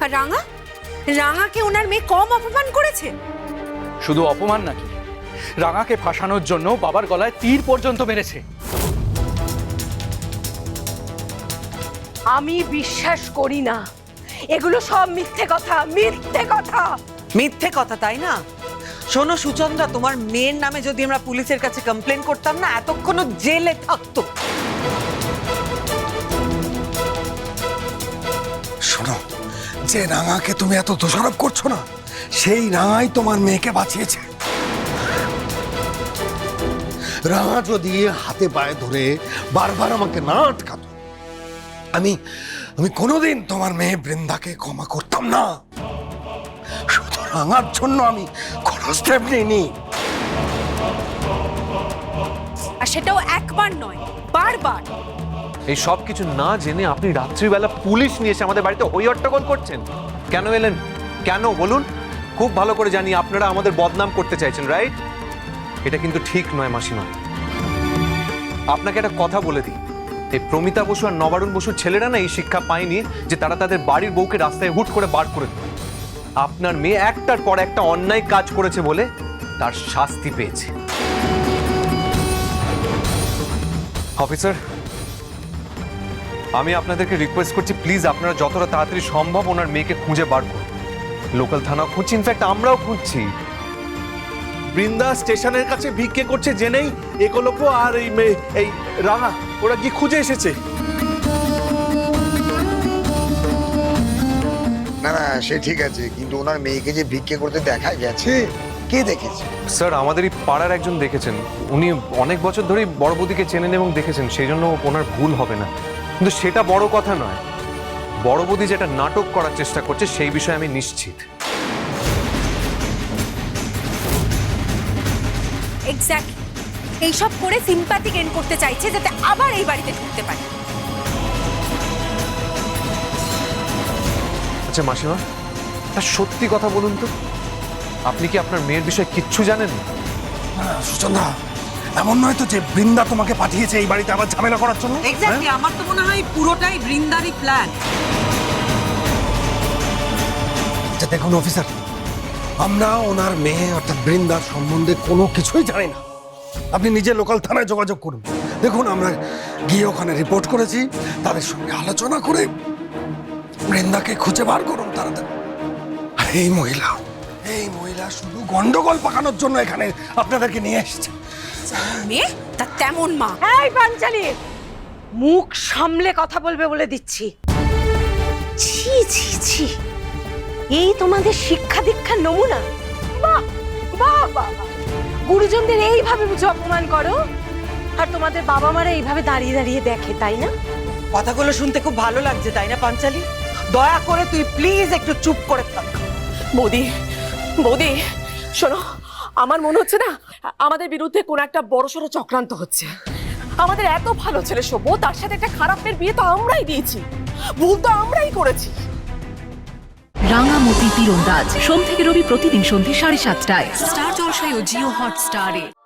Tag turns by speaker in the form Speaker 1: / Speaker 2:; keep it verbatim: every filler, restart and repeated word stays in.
Speaker 1: আর রাঙা রাঙাকে ওনার মেয়ে কম অপমান করেছে?
Speaker 2: শুধু অপমান নাকি, রাঙাকে ফাঁসানোর জন্য বাবার গলায় তীর পর্যন্ত মেরেছে।
Speaker 3: আমি বিশ্বাস করি না, এগুলো সব মিথ্যে কথা, মিথ্যে কথা।
Speaker 4: মিথ্যে কথা, তাই না? শোনো সুচন্দ্রা, তোমার মেয়ের নামে যদি আমরা পুলিশের কাছে কমপ্লেন করতাম না, এতক্ষণ জেলে থাকতো।
Speaker 5: শোনো, যে রাঙাকে তুমি এত দোষারোপ করছো না, সেই রাঙাই তোমার মেয়েকে বাঁচিয়েছে। রাঙা যদি হাতে পায়ে ধরে বারবার আমাকে না আটকাতো, আমি আমি কোনোদিন তোমার মেয়ে বৃন্দাকে ক্ষমা করতাম না। শুধু রাঙার জন্য আমি কোনো স্টেপ নিইনি।
Speaker 1: আর সেটাও একবার নয়, বারবার।
Speaker 6: এই সব কিছু না জেনে আপনি রাত্রিবেলা পুলিশ নিয়ে এসে আমাদের বাড়িতে হই হট্টগোল করছেন। কেন এলেন? কেন বলুন? খুব ভালো করে জানি আপনারা আমাদের বদনাম করতে চাইছেন, রাইট? এটা কিন্তু ঠিক নয় মাসিমা। আপনাকে একটা কথা বলে দিই, এই প্রমিতা বসু আর নবারুণ বসুর ছেলেরা না এই শিক্ষা পায়নি যে তারা তাদের বাড়ির বউকে রাস্তায় হুট করে বার করে দেয়। আপনার মেয়ে একটার পর একটা অন্যায় কাজ করেছে বলে তার শাস্তি পেয়েছে। অফিসার, আমি আপনাদেরকে রিকোয়েস্ট করছি, প্লিজ আপনারা যতটা তাড়াতাড়ি সম্ভব ওনার মেয়েকে খুঁজে বার করুন। লোকাল থানা খুঁজছি, ইনফ্যাক্ট আমরাও খুঁজছি।
Speaker 7: বৃন্দা স্টেশনের কাছে ভিক্ষে করছে জেনেই একলব্য আর এই মেয়ে এই রাঙা ওরা কি খুঁজে এসেছে?
Speaker 8: না না, সে ঠিক আছে, কিন্তু ওনার মেয়েকে যে ভিক্ষে করতে দেখা গেছে, কে দেখেছে?
Speaker 6: স্যার, আমাদের এই পাড়ার একজন দেখেছেন। উনি অনেক বছর ধরেই বড় বৌদিকে চেনেন এবং দেখেছেন, সেই জন্য ওনার ভুল হবে না। কিন্তু সেটা বড় কথা নয়, বড় বৌদি যেটা নাটক করার চেষ্টা করছে সেই বিষয়ে আমি নিশ্চিত।
Speaker 1: এক্স্যাক্টলি, এইসব করে সিম্প্যাথি গেইন করতে চাইছে যাতে আবার এই বাড়িতে ঢুকতে পারে।
Speaker 6: আচ্ছা মাসিমা, তা সত্যি কথা বলুন তো, আপনি কি আপনার মেয়ের বিষয়ে কিচ্ছু জানেন?
Speaker 5: না, সুচন্দ্রা, এমন নয় তো যে বৃন্দা তোমাকে পাঠিয়েছে এই বাড়িতে আবার ঝামেলা করার জন্য?
Speaker 4: এক্স্যাক্টলি, আমার তো মনে হয় পুরোটাই বৃন্দারই প্ল্যান।
Speaker 5: আচ্ছা দেখুন অফিসার, আমরা ওনার মেয়ে অর্থাৎ বৃন্দার সম্বন্ধে কোনো কিছুই জানি না। আপনি নিজে লোকাল থানায় যোগাযোগ করুন। দেখুন, আমরা গিয়ে ওখানে রিপোর্ট করেছি, তাদের সঙ্গে আলোচনা করে বৃন্দাকে খুঁজে বার করুন তাড়াতাড়ি। আর এই মহিলা এই মহিলা শুধু গন্ডগোল পাকানোর জন্য এখানে আপনাদেরকে নিয়ে এসেছে।
Speaker 1: মেয়ে তা তেমন মা।
Speaker 3: এই পাঞ্চালি, মুখ সামলে কথা বলবে বলে দিচ্ছি। ছি ছি ছি, এই তোমাদের শিক্ষা দীক্ষার নমুনা? বাহ বাহ বাহ, গুরুজনদের এইভাবে বুঝে অপমান করো, আর তোমাদের বাবা মারা এইভাবে দাঁড়িয়ে দাঁড়িয়ে দেখে, তাই না?
Speaker 4: কথাগুলো শুনতে খুব ভালো লাগছে, তাই না পাঞ্চালি? দয়া করে তুই প্লিজ একটু চুপ করে থাক।
Speaker 9: বৌদি, বৌদি শোনো, আমার মনে হচ্ছে না আমাদের বিরুদ্ধে কোন একটা বড়সড় চক্রান্ত হচ্ছে। আমাদের এত ভালো ছেলে সভ্য, তার সাথে একটা খারাপের বিয়ে তো আমরাই দিয়েছি, ভুল তো আমরাই করেছি।
Speaker 10: রাঙামতি তীরন্দাজ সোম থেকে রবি প্রতিদিন সন্ধ্যে সাড়ে সাতটায়
Speaker 11: স্টার জলসায় ও জিও হটস্টারে।